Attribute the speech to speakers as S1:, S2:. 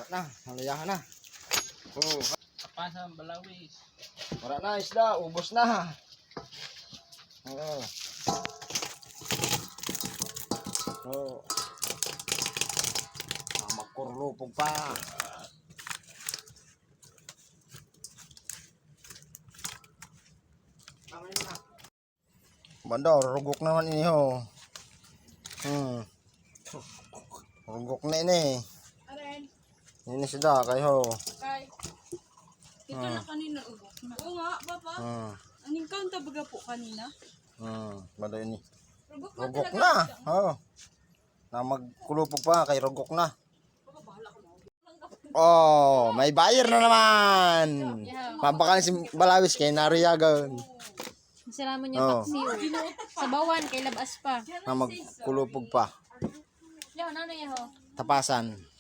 S1: na, halayahan na. Oh,
S2: Kapasa balawis.
S1: wala na isda, ubos na. Oo. Oh. Magkurlupog pa. Banda, rugok naman ini ho. Rugok na ini.
S3: Aren,
S1: Ini sudah kayo.
S3: kay. Ito na kanina ugok na. Oo nga, papa. Aning kaunta baga po kanina.
S1: Banda ini.
S3: Ugok na
S1: Rugok
S3: talaga.
S1: na. Oh. Na magkulupog pa kay rugok na.
S3: Papa, bahala ko na.
S1: Oh, may buyer na naman. Mabakal si Balawis kay nariyagan.
S4: Salamat niyo
S1: Oh.
S4: paksiw. Sabawan kay labas pa.
S1: Na magkulupog pa.
S4: Leon, ano yan ho?
S1: Tapasan.